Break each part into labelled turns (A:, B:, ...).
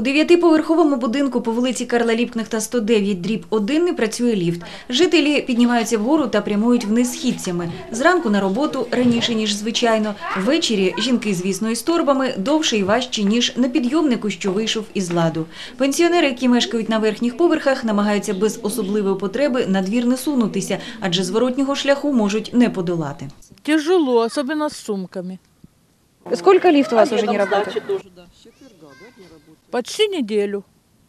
A: У 9-поверховому будинку по вулиці Карла Ліпкнехта 109/1 не працює ліфт. Жителі піднімаються вгору та прямують вниз східцями. Зранку на роботу раніше, ніж звичайно. Ввечері жінки, звісно, із торбами довше і важче, ніж на підйомнику, що вийшов із ладу. Пенсіонери, які мешкають на верхніх поверхах, намагаються без особливої потреби на двір не сунутися, адже зворотнього шляху можуть не подолати.
B: Тяжело, особенно с сумками.
C: Сколько лифт у вас уже не работает?
B: Почти неделю.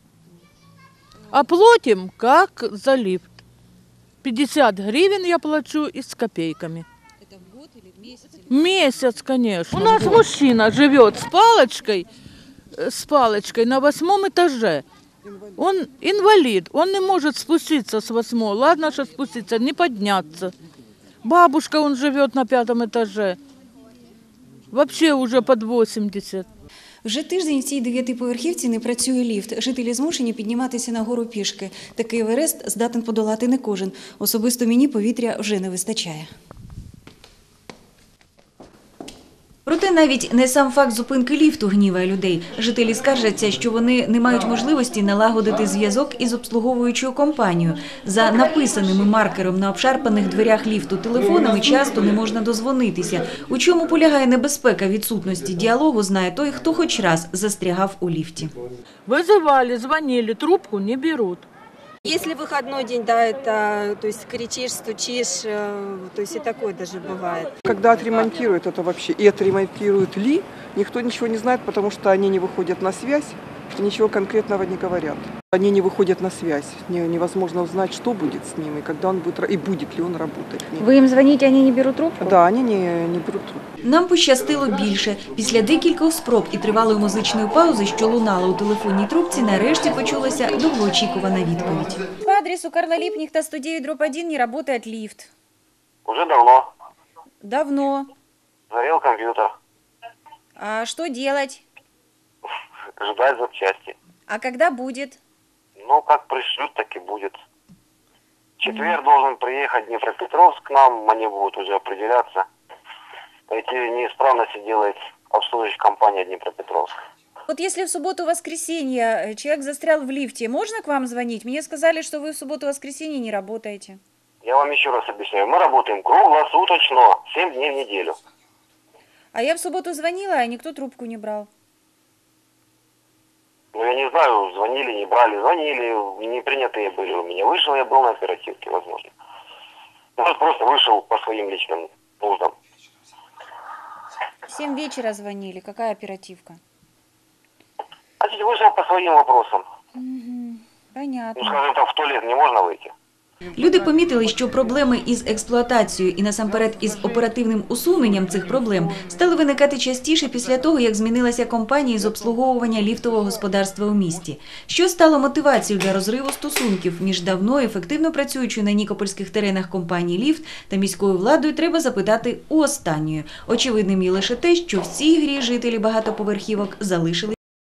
B: А платим как за лифт. 50 гривен я плачу и с копейками.
D: Это в год или в месяц?
B: Месяц, конечно. У нас мужчина живет с палочкой на 8 этаже. Он инвалид, он не может спуститься с 8-го. Ладно, что спуститься, не подняться. Бабушка, он живет на 5-м этаже. Вообще уже под 80.
A: Вже тиждень в цій 9-поверхівці не працює ліфт. Жителі змушені підніматися на гору пішки. Такий Еверест здатен подолати не кожен. Особисто мені повітря вже не вистачає. Проте навіть не сам факт зупинки ліфту гніває людей. Жителі скаржаться, що вони не мають можливості налагодити зв'язок із обслуговуючою компанією. За написаними маркером на обшарпаних дверях ліфту телефонами часто не можна дозвонитися. У чому полягає небезпека відсутності діалогу, знає той, хто хоч раз застрягав у ліфті.
B: Вызывали, звонили, трубку не берут.
E: Если выходной день, да, это, то есть кричишь, стучишь, то есть и такое даже бывает.
F: Когда отремонтируют это вообще, и отремонтируют ли, никто ничего не знает, потому что они не выходят на связь и ничего конкретного не говорят. Они не выходят на связь, невозможно узнать, что будет с ними, когда он будет, и будет ли он работать.
C: Вы им звоните, они не берут трубку?
F: Да, они не берут трубку.
A: Нам пощастило більше. Після декількох спроб і тривалої музичної паузи, що лунала у телефонній трубці, нарешті почулася довгоочікувана відповідь.
C: По адресу Карла Липкнехта 109/1 не работает лифт.
G: Уже давно.
C: Давно.
G: Горел компьютер.
C: А что делать?
G: Ждать запчасти.
C: А когда будет?
G: Ну, как пришлют, так и будет. В четверг должен приехать Днепропетровск к нам, они будут уже определяться. Эти неисправности делает обслуживающая компания Днепропетровск.
C: Вот если в субботу-воскресенье человек застрял в лифте, можно к вам звонить? Мне сказали, что вы в субботу-воскресенье не работаете.
G: Я вам еще раз объясняю. Мы работаем круглосуточно, 7 дней в неделю.
C: А я в субботу звонила, а никто трубку не брал.
G: Ну, я не знаю, звонили, не брали. Звонили, не принятые были у меня. Вышел, я был на оперативке, возможно. Может, просто вышел по своим личным нуждам.
C: В 7 вечера звонили. Какая оперативка?
G: Значит, вышел по своим вопросам.
C: Понятно.
G: Ну, скажем так, в туалет не можно выйти.
A: Люди помітили, що проблеми із експлуатацією і насамперед із оперативним усуненням цих проблем стали виникати частіше після того, як змінилася компанія з обслуговування ліфтового господарства у місті. Що стало мотивацією для розриву стосунків між давно ефективно працюючою на нікопольських теренах компанії «Ліфт» та міською владою, треба запитати у останньої. Очевидним є лише те, що в цій грі жителі багатоповерхівок залишили